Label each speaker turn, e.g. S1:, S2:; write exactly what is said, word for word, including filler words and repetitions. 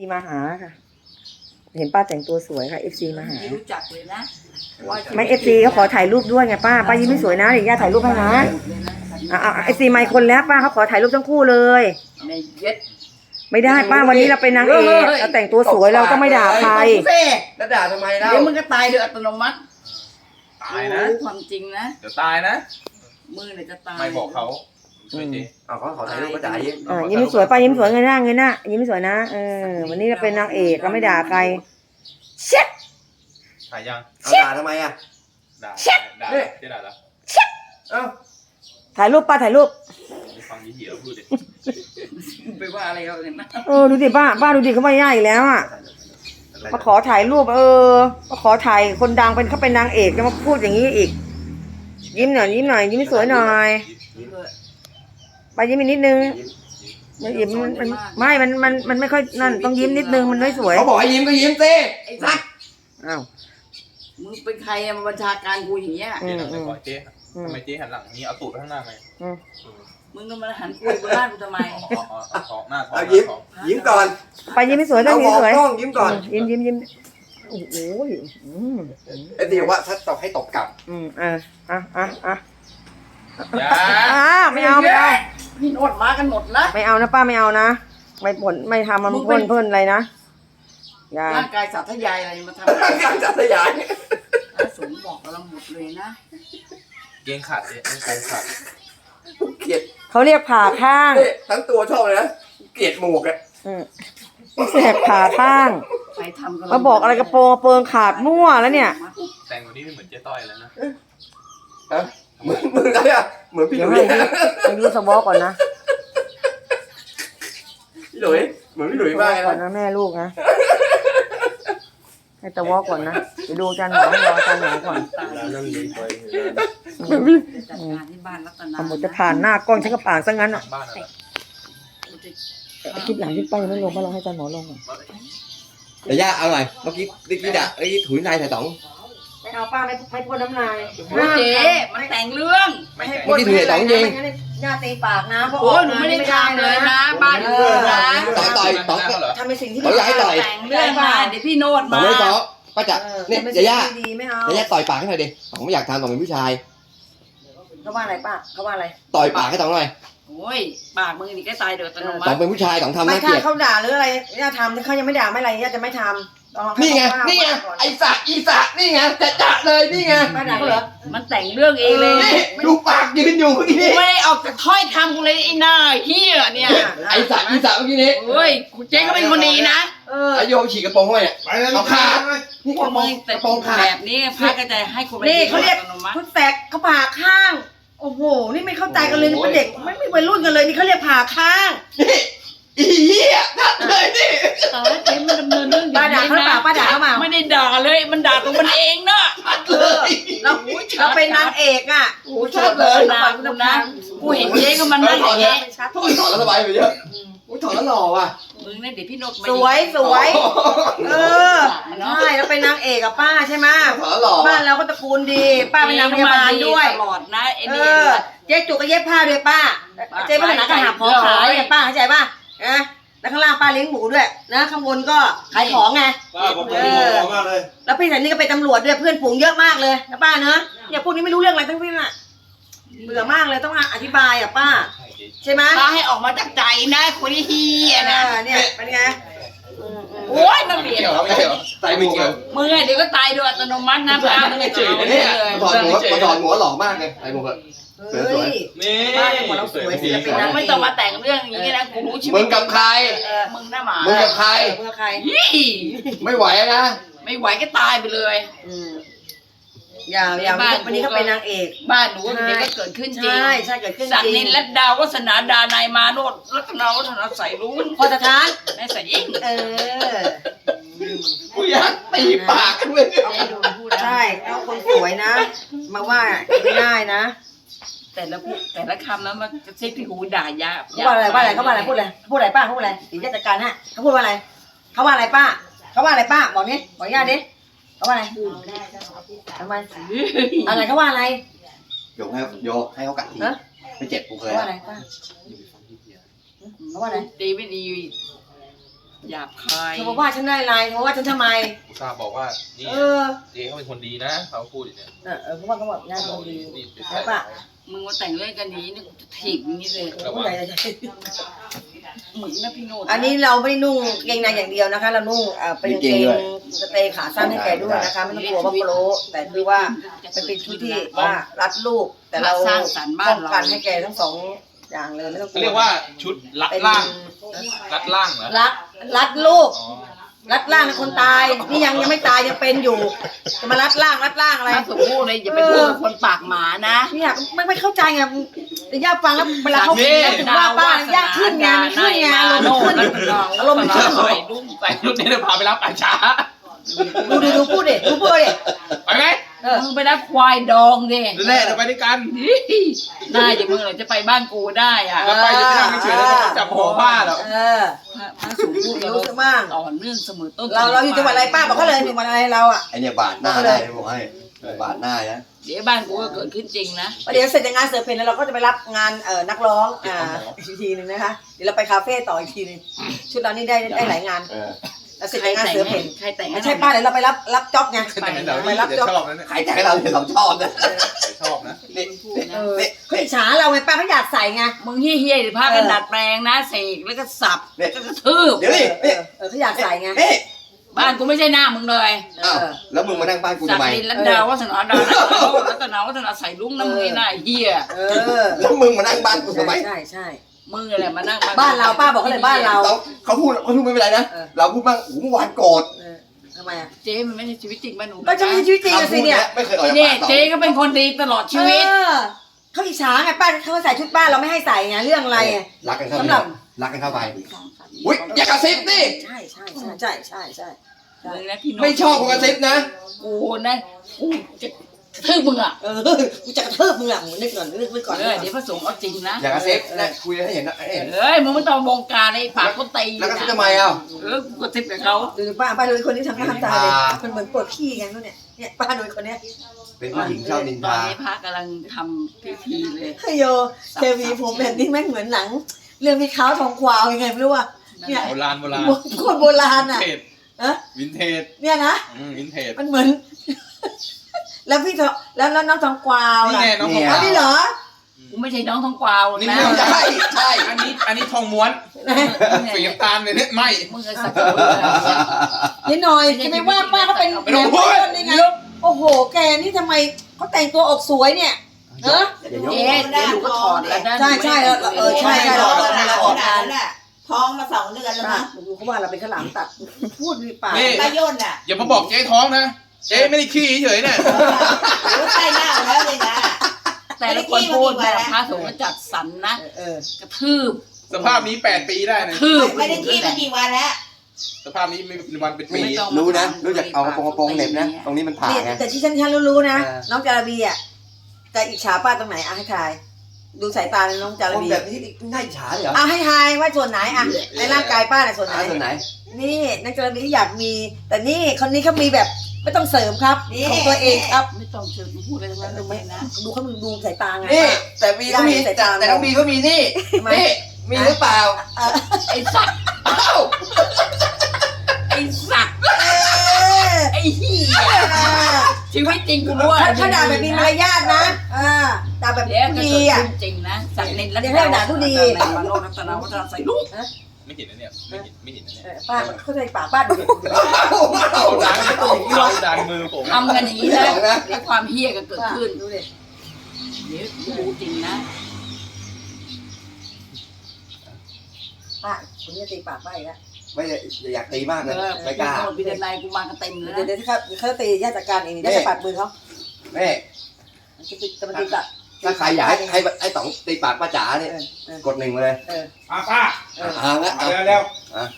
S1: มาหาค่ะเห็นป้าแต่งตัวสวยค่ะเอฟซีมาหา
S2: ไม่รู้จักเลยนะ
S1: ไม่เอฟซีเขาขอถ่ายรูปด้วยไงป้าป้ายิ้มไม่สวยนะเดี๋ยวย่าถ่ายรูปให้นะอ่าเอฟซีไมค์คนแล้วป้าเขาขอถ่ายรูปทั้งคู่เลย
S2: ในเย็ด
S1: ไม่ได้ป้าวันนี้เราเป็นนางเอกเราแต่งตัวสวยเราต้องไม่ด่าใคร
S3: แล้วด่าทำไมเล่า
S2: เดี๋ยวมึงก็ตายโดยอัตโนมัติ
S4: ตายนะ
S2: รู้ความจริงนะ
S4: เดี๋ยวตายนะ
S2: มือเนี่ยจะตาย
S4: ไม่บอกเขาช่วยที
S3: เอาเขาขอถ่ายรูปก็จ่ายยิ้ม
S1: อ่ายิ้มไม่สวยป้ายิ้มสวยเงยหน้าเงยหน้ายิ้มไม่สวยนะเออวันนี้เราเป็นนางเอกเราไม่ด่าใครเช็ด
S4: ถ่ายยัง
S3: เอาด่าทำไมอ่ะ
S4: ด่าด่าเจ๊ด่าแล้ว
S3: เอ้า
S1: ถ่ายรูปป้าถ่ายรูป
S4: ฟังยี่เหี้ยพูดดิ
S2: ไปว่าอะไรเขาเนี่ยนะ
S1: เออดูดิป้าป้าดูดิเขาไม่ย่าอีกแล้วอ่ะมาขอถ่ายรูปเออมาขอถ่ายคนดังเป็นเขาเป็นนางเอกจะมาพูดอย่างนี้อีกยิ้มหน่อยยิ้มหน่อยยิ้มสวยหน่อยป้ายิ้มอีกนิดนึงไม่ยิ้มมันมันไม่มันมันมันไม่ค่อยนั่นต้องยิ้มนิดนึงมันไม่สวย
S3: เขาบอกให้ยิ้มก็ยิ้มสิ
S2: ไอ้สัตว์
S1: อ้าว
S2: มึงเป็นใครอะมาบัญชาการกูอย่างเงี้ย
S1: อื
S4: เจ๊
S1: ม
S4: หันไป
S1: อืม
S4: ก่อนเจ๊ทำไมเจ๊หันหลังนี้เอาตูดไปข้างหน้าไหม
S1: อืม
S2: มึงก็มาหันกูบนบ้านกูทำไม
S4: อ๋ออ๋ออ๋อท้องหน้าท้อง
S3: เอายิ้มยิ้มก่อน
S1: ป้ายิ้มไม่สวยต้อ
S3: เอา
S1: ง
S3: หม
S1: ยิ้ม
S3: อ
S1: สวย
S3: กล้องยิ้มก่อน
S1: ยิ้มยิ้มยิ้มโอ้โหอืม
S3: ไอ้ตีบอกว่าถ้าตบให้ตบกลับ
S1: อืมอ่ะอ่ะอ่ะอ่ะ
S4: อย่า
S1: อ่ะไม่เอาไม่เอา
S2: พี่โนดมากันหมดนะ
S1: ไม่เอานะป้าไม่เอานะไม่ผลไม่ทำมัน
S2: มึงเป็
S1: พ่น
S2: น
S1: เพ่นอะไรนะอย่า
S2: ร่างกายสาธยายอะไรมาทำ
S3: การจัดสยาย
S2: พระสงฆ์บอกเราหมดเลยนะ
S4: เกงขาดเจ๊ไม่โกงขาด
S3: เกลียด
S1: เขาเรียกผ่าข้าง
S3: นี่ทั้งตัวชอบเลยนะเกลียดหมวกอ่ะ
S1: อืมแสบผ่าข้าง
S2: ใครทำกัน
S1: มาบอกอะไรกระโปรงกระเปิงขาดมั่วแล้วเนี่ย
S4: แต่งวันนี้ไม่เหมือนเจ๊ต้อยแล้วนะ
S3: ฮะเหมือนเหมือนอะไรอ่ะเหมือนพี่ห
S1: เดี๋ยว
S3: ลุย
S1: ให้ให้ดูสวอก่อนนะ
S3: พี่หลุยเหมือนพี่หลุย
S1: สว
S3: มา
S1: อก
S3: เลย
S1: ก่อน
S3: นะ
S1: นะแม่ลูกนะให้สวอก่อนนะไปดูอาจารย์หมอรออาจารย์หมอก่อน
S2: จัดการที่บ้านรัตนา
S1: ทำหมดจะผ่านหน้ากล้องฉันก็ผ่านซะงั้น
S4: หลั
S1: อ่ะ
S4: งบ้านอะไร
S1: คลิปหลังคลิปไปยังไม่ลงมาลองให้อาจารย์หมอลงก่อน
S3: เดี๋ยวย่าเอาหน่อยเมื่อกี้เมื่อกี้ด่าเมื่อกี้ถุยนายถ่ายต๋อง
S1: ไม่เอาป้าไม่ไม่พ่นน้ำลาย
S2: โอ้เจ๊มันแต่งเรื่อง
S1: ไม่ให้
S3: เมื่อกี้ถุยนายต๋องจริง
S1: ไม่งั้นย่าตีปากนะเพราะ
S2: โอ้ยหนูไม่ได้ทำเลยนะ บ้านหนูนะ
S3: ต่อยต่อยต่อย
S4: เหรอ
S1: ทำเป็นสิ่งที่
S3: ต่อยอย่าให้ต่อย
S2: แต่งเรื่องมาเดี๋ยวพี่โนด
S3: ต๋อง
S2: มา
S3: ไม่ต่อป้าจ๋า
S1: เออ
S3: เนี่ย
S1: ทำเป็น
S3: เดี๋ยวย่า
S1: สิ่งที่ดีไม่เอา
S3: เดี๋ยวย่าต่อยปากให้หน่อยดิต๋องไม่อยากทำต๋องเป็นผู้ชาย
S1: เขาว่าอะไรป้าเขาว่าอะไร
S3: ต่อยปากให้ต๋องหน่อย
S2: โอ้ยปากมึงนี่ก็ตายโดยอัตโนมั
S3: ต๋อง
S2: ติ
S3: เป็นผู้ชายต๋องทำ
S1: ไม่
S3: น่าเก
S1: ถ้า
S3: ลียด
S1: เขาด่าหรืออะไรย่าทำถ้าเขายังไม่ด่าไม่อะไรย่าจะไม่ทำต้องให้
S3: นี่ไง
S1: เขาว่า
S3: นี่ไง
S1: ก่อน
S3: ไอ้สะอีสะนี่ไงจะจะเลยนี่ไง
S1: ป้าด่าเขาเหรอ
S2: มันแต่งเรื่องเองเลย
S3: นี่ดูปากยืนอยู่เมื่อกี้
S2: กู
S3: นี้
S2: ไม่ได้ออกจากถ้อยคำกูเลยไอ้หน้าเฮียเนี่ย
S3: ไอ้สะอีสะเมื่อกี้นี้
S2: เฮ้ยเจ๊ก็เป็นคนดีนะ
S1: เออ
S3: ไอ้โยมฉีกกระโปรงเข้าไปเนี่ยเอาขาดนี่
S2: พ
S3: ก
S2: ว
S3: ระ
S2: ก
S3: โปร
S2: มึ
S3: ง
S2: งแต่
S3: กระโปรงขาด
S2: แบบนี้พระก็จะให้คน
S1: นี่เขาเรียก
S2: อัตโนมัติ
S1: พุทธแสกเขาผ่าข้าง โอ้โหนี่ไม่เข้าใจกันเลยนี่เป็นเด็กไม่ไม่วัยรุ่นกันเลยนี่เขาเรียกผ่าข้าง
S3: นี่อีเหี้ยนัดเลยนี่
S2: แต่ว่าเจ๊มันดำเนินเรื่องอย่
S1: ป้าด่าเขาหรือเปล่าป้าด่าเขาเปล่า
S2: ไม่ได้ด่าเลยมันด่าตัวมันเองเนาะ
S3: เลย
S1: เราเราเป็นนางเอกอ่ะ
S2: โอ้ชัดเลยนะกูนะกูเห็นเจ๊ก็มันนั่งอย่างเงี้ย
S3: ถอดถอดแล้วสบายไปเยอะอุ้ยถอดแล้วหล่อว่ะ
S2: มึงเนี่ยเดี๋ยวพี่โนดมา
S1: สวยสวยเออใช่เราเป็นนางเอกกับป้าใช่ไหม
S3: ถอดแล้วหล่อ
S1: บ้านเราก็ตระกูลดี ป้าเป็นนางพยาบาลด้วย
S2: ตลอดนะไอ้
S1: เอ
S2: นี่
S1: อเจ๊จุกก็เย็บผ้าด้วยป้าเจ๊พัฒนากระหับของขายเนี่ยป้าเข้าใจป่ะนะแล้วข้างล่างป้าเลี้ยงหมูด้วยนะข้างบนก็ขายของไง
S5: ป้าผมเป็นหมอมากเลย
S1: แล้วพี่สันนี่ก็เป็นตำรวจด้วยเพื่อนฝูงเยอะมากเลยนะป้าเนอะเนี่ยพวกนี้ไม่รู้เรื่องอะไรทั้งสิ้นอ่ะเบื่อมากเลยต้องอธิบายอ่ะป้า ใช่ไหม
S2: ป้าให้ออกมาจากใจนะคนที่เฮียนะ
S1: อ่าเนี่ยเป็นไงอืมอืม
S2: โอ้ยนักเรียน
S3: เกี่ยวไม่เกี่ยวใจไม่เกี่ยว
S2: มึงไงเดี๋ยวก็ตายโดยอัตโนมัตินะป้ามึงไงจืด
S3: เนี่
S2: เนี่ย ย
S3: มาถอดหัวมาถอดหัวหล่อมากเลยไอ้หมวก
S1: เฮ้ย
S4: นี่
S1: บ้านเนี่ยหมดเราสวยศิลปินนะ
S2: ไม่ต้องมาแต่งเรื่องอย่างนี้นะกูรู้ชีวิต
S3: มึงกับใคร
S2: เออมึงหน้าหมา
S3: มึงกับใคร
S1: เมื่อใคร
S2: ยี่
S3: ไม่ไหวนะ
S2: ไม่ไหวก็ตายไปเลย
S1: อืมอย่าอย่าวันนี้เขาเป็นนางเอก
S2: บ้านหนูเดี๋ยวก็เกิดขึ้นจริง
S1: ใช่ใช่เกิดขึ้น
S2: สัก
S1: จริ
S2: นิ
S1: ง
S2: นและดาววัฒนาดานายมาโนดรัตนาวัฒนาใส่รู้
S1: พอสถาน
S2: ในใส่ยิ่ง
S1: เออ
S3: กูอยากตีปากกันเลย
S1: ใช่เอาคนสวยนะ มาว่าไม่ได้นะ
S2: แต่ละพูดแต่ละคำแล้วมันจะเช็คที่หูด่ายา
S1: เขาว่าอะไรว่าอะไรเขาว่าอะไรพูดอะไรพูดอะไรป้าเขาพูดอะไรถึงจะจัดการฮะเขาพูดว่าอะไรเขาว่าอะไรป้าเขาว่าอะไรป้าบอกนี้บอกญาติดิเขาว่าอะไรทำไมอะไรเขาว่าอะไร
S3: โยกให้โยกให้เขากัดทีไม่เจ็บกูเคย
S1: เขาว่าอะไรป้าเขาว่าอะไร
S2: ดีไม่ดีหยาบคาย
S1: เธอบอกว่าฉันได้อะไรเธอบอกว่าฉันทำไม
S4: อุตส่าห์บอกว่านี่
S1: เออ
S4: เจ๊เขาเป็นคนดีนะเขาพูดอย่างเนี้ย
S1: เออเออเพราะว่าเขาบอกงานคนดี
S4: นี่เป็น
S1: ใช่ปะ
S2: มึงมาแต่งเรื่องกันนี้นี่กูจะถีบอย่างนี้เลย
S1: ผู้ใหญ่จะ
S2: มึงนะพี่โนด
S1: อันนี้เราไม่ได้นุ่งเกงในอย่างเดียวนะคะ เรานุ่งเอ่อเป็นกางเกงสเตย์ขาสั้นให้แกด้วยนะคะไม่ต้องกลัวว่าโปรแต่คือว่ามันเป็นชุดที่ว่ารัดลูกแต่เรา
S2: สร้างสรรค์บ้า
S1: ป้
S2: น
S1: อง
S2: เรา
S1: กันให้แกทั้งสองอย่างเลยไม่ต้องกลัว
S4: เรียกว่าชุดรัด
S1: เป็น
S4: ล่างรัดล่างเหรอ
S1: รัดรัดลูก
S4: อ๋อ
S1: รัดล่างคนตายนี่ยังยังไม่ตายยังเป็นอยู่จะมารัดล่างรัดล่างอะไร
S2: ถ้าสมพูดเลยอย่าไปพูดกับคนปากหมานะ
S1: เนี่ยไม่ไม่เข้าใจไงแต่ย่าฟังแล้วเวลาเขาคิดแล้วถึงว่าป้าย่าขึ้นไงมันขึ้นไงอารมณ์มันขึ้นอารมณ์มันขึ้น
S4: ใส่รุ่งใส่รุ่นนี้เดี๋ยวพาไปรับป่าช้า
S1: ดูดิดูพูดดิดูพูดดิ
S4: ไปไหม
S1: เออ
S2: มึงไปรับควายดองดิ
S4: นั่นแหละเดี๋ยวไปด้วยกัน
S2: น่าอย่ามึงเลยจะไปบ้านกูได้อ่ะ
S4: แล้วไปจะไปนั่งเฉยๆแล้วจะจับหัวผ้าเหรอ
S1: เออ
S2: พระสูงพูด
S1: รู้สึกบ้าง
S2: ต่อเนื่องเสมอต้น
S1: เราเราอยู่จังหวัดอะไรป้าบอกเขาเลยอยู่จังหวัดอะไรเราอ่ะ
S3: ไอเนี่ยบาดหน้าได้บอกให้บาดหน้านะ
S2: เดี๋ยวบ้านกูก็เกิดขึ้นจริงนะ
S1: ประเดี๋ยวเสร็จจากงานเสือเพนแล้วเราก็จะไปรับงานเอ่อนักร้องอ่าอีกทีหนึ่งนะคะเดี๋ยวเราไปคาเฟ่ต่ออีกทีหนึงชุดเรานี่ได้ได้หลายงาน
S3: เออ
S1: แล้วเสร็จ
S2: ใคร
S1: จากงาน
S2: แต่ง
S1: เสือเพ
S2: ให้
S1: น
S2: ใครแต่งให้
S1: ไม่ใช่ป้าเดี๋ยวเราไปรับรับจ็อบไง
S4: แต่เดี๋ยว
S1: ไป
S4: นี้
S1: รับ
S4: จะ
S1: จ็อบ
S4: ชอบนะเนี่ย
S3: ใครแต่ให้เราเนี่ยเราชอบนะ
S4: ชอบนะ
S3: นี่
S2: พูด
S3: นี่
S2: นะ
S1: เออ
S3: นี่
S1: เขาอิจฉาเราไงป้าเขาอยากใส่ไง
S2: มึงเฮี้ยๆหรือพากันดัดแปลงนะเสกแล้วก็สับแล้วก็กระทืบ
S3: เดี๋ยวนี่
S1: เอ
S3: นี่
S1: อเออเขาอยากใส่ไง
S3: นี่
S2: บ้านกูไม่ใช่หน้ามึงเลย
S3: อ้าวแล้วมึงมานั่งบ้านกู
S2: สั
S3: ทำ
S2: ก
S3: ไม
S2: ดินลันดาวัฒนาดารัตนาวัฒนาใส่ลุงน้ำมึงไอ้หน้าเฮี้ย
S1: เออ
S3: แล้วมึงมานั่งบ้านกูทำไม
S1: ใช่ใช่
S2: มึงอะไรมานั่ง
S1: บ้านเราป้าบอกเขาเลยบ้านเรา
S3: เราเขาพูดเขาพูดไม่เป็นไรนะ
S1: เออ
S3: เราพูดบ้างโอ้โหเมื่อวานโกรธ
S1: เออทำไมอ่ะ
S2: เจ๊มันไม่ใช่ชีวิตจริงบ้านหนู
S1: ก็จะมีชีวิตจริงอะสิเนี่ย
S3: ไม่เคยออกจาก
S2: เนี่ย
S3: ปากเรา
S2: เจ๊ก็เป็นคนดีตลอดชีวิต
S1: เออเขาอิจฉาไงป้าเขาใส่ชุดบ้านเราไม่ให้ใส่ไงเรื่องอะไรไง
S3: รักกันเข้า
S1: สำ
S3: ไป
S1: หรับ
S3: รักกันเข้าไปอุ้ยอย่ากระซิบดิ
S1: ใช่ใช่ใช่ใช่ใช่ใช่ใช่
S2: มึงนะพี่โน้ต
S3: ไม่ชอบคนกระซิบนะ
S2: กูนะกูจะกระทืบมึงอ่ะ
S1: เออกูจะกระเทิบมึงอ่ะมึงนึกก่อนนึกไว้ก่อน
S2: เออเดี๋ยวพระสงฆ์เอาจริงนะ
S3: อย่ากระซิบนะคุยให้เห็นนะให้เห็น
S2: เอ้ยมึงไม่ต้องวงการไอ้ปากคนตี
S3: แล้วกระซิบทำไมอ่ะ
S2: เออกูกระซิบกับเขา
S1: ดูป้าป้าดูคนที่ทำหน้าทำตาเลย
S3: อ่า
S1: มันเหมือนปวดขี้ไงนู่นเนี่ยเนี่ยป้าดูคนเนี้ย
S3: เป็นผู้หญิงชอบนิน
S2: ตอน
S3: ทา
S2: นี้พระกำลังทำพิธีเลย
S1: เฮ้ยโยเทวีผมแบบนี้แม่งเหมือนหนัง เรื่องพี่ขาวทองควาวยังไงไม่รู้ว่าเนี่ย
S4: โบราณโบราณ
S1: โคตรโบราณ
S4: วิน
S1: อ่ะ
S4: เทจ
S1: อะ
S4: วินเทจ
S1: เนี่ยนะ
S4: อืมวินเทจ
S1: มันเหมือน แล้วพี่ทองแล้วแล้วน้องทองกวาว
S4: นี่
S1: ล่ะ
S4: ไงน้องทอง
S1: อ๋อนี่เหรอ
S2: กูไม่ใช่น้องทองกวาว
S4: นี่
S2: นะ
S4: ไม่
S3: ใช่ใช่
S4: อันนี้อันนี้ทองม้วนสีน้ำตาลเลยเนี่ยไม่
S2: มึงไอ้สัตว์
S1: นี่หน่อยจะไม่ว่าป้าเขาเป็น
S4: ไม่ต้องพูด
S1: ได้ไงโอ้โห แกนี่ทำไมเขาแต่งตัวออกสวยเนี่ยเออ
S3: อย่ายก
S2: เจ๊เดี๋ยวดูก็ถอดแล้วนะ
S1: ใช่ใช่เออเออใช่ใช่
S6: เราเราออกงานน่ะท้องมาสองเดือนแล้ว
S1: ป้า
S6: มั้ง
S1: ดูเขาว่าเราเป็นข้าวหลามตัดพูดดีปาก
S4: นี่
S6: ตาย่นอ่ะ
S4: อย่ามาบอกเจ๊ท้องนะ เจ๊ไม่ได้ขี้เฉยๆเนี่ย
S6: รู้ใกล้หน้าแล้วเลยนะ
S2: แต่ละคนพูดแบบพระสงฆ์ก็จัดสรรนะ
S1: เออก
S2: ระทืบ
S4: สภาพนี้แปดปีได้นะ
S2: ทืบ
S6: ไม่ได้ขี้มากี่วันแล้ว
S4: สภาพนี้ไม่เป็นวันเป็นปี
S3: มีรู้นะ รู้จักเอากระโปรงกระโปรงเหน็บนะ ตรงนี้มันผ่า
S1: เนี่ย
S3: ไง
S1: แต่ที่ฉันฉันรู้ๆนะ
S3: เออ
S1: น้องจาระบีอ่ะจะอิจฉาป้าตรงไหนอ่ะให้ทาย ดูสายตาน้องจาระ
S3: คน
S1: บี
S3: แบบนี้น่าอิจฉาเหรอ
S1: อ่ะให้ทายว่าส่วนไหนอ่ะในร่างกายป้าเนี่ยส่วนไหน
S3: หาส่วนไหน
S1: นี่น้องจาระบีที่อยากมี แต่นี่คนนี้เขามีแบบไม่ต้องเสริมครับของตัวเองครับ
S2: ไม่ต้องเชิญพูดอะไรทั้งนั้นเลยนะ
S1: ดูเขาดูสายตาไง
S3: นี่ แต่บีก็มีแต่แต่น้องบีก็มีนี่
S1: ทำไม
S3: นี่มีหรือเปล่า
S1: เออ
S2: ไอ้สัตว์
S3: อ้าว
S2: ไอ้สัตว์
S1: เออ
S2: ไอ้เหี้ยชีวิตจริงกูรู้ว่า
S1: ถ้าถ้าด่าแบบมีมารยาทนะอ่าด่าแบบ
S2: เดี๋ยวก็
S1: ดี
S2: เกิด
S1: อ่ะ
S2: ขึ้นจริงนะสักนินแล้ว
S1: เดี๋ยวให้ด่าผู้ดี
S2: มาโนรัตนาวัฒนาใส่ลูก
S4: ไม่เห็นนะเนี่ย ไม่เห็นไม่เห็นนะ
S1: เอ
S4: เนี่ย
S1: อป้าเข้าใจปากป้าดูดิ
S4: เอาดันเอาดันมือผม
S2: ทำกันอย่างนี้นะเดี๋ยวความเหี้ยก็เกิด
S1: ป้า
S2: ขึ้น
S1: ดูดิ
S2: เดี๋ยวกูรู้จริงนะ
S1: ป้าคุณจะตีปากป้าอีกแล้ว
S3: ไม่อยากตีมาก
S2: เอ
S3: เลย
S2: อ
S3: ไม่กล้า
S2: พิจารณากูมากันเต็มเลย
S1: เดี๋ยว
S2: นะ
S1: เดี๋ยวที่เขาเขาจะตีญาติจัดการเองเดี๋ยวจะปัดมือเขา
S3: แม่
S1: จะตีจะมาตีปาก
S3: ถ้าใครอยากให้ให้ไอ้ต๋องตีปากป้าจ๋าเนี่ย
S1: เออเออก
S3: ดหนึ่งมาเลย
S1: เออ
S5: ป้าป้า
S1: เออ
S3: เอาละ
S5: เอา
S3: เอา
S5: เร็ว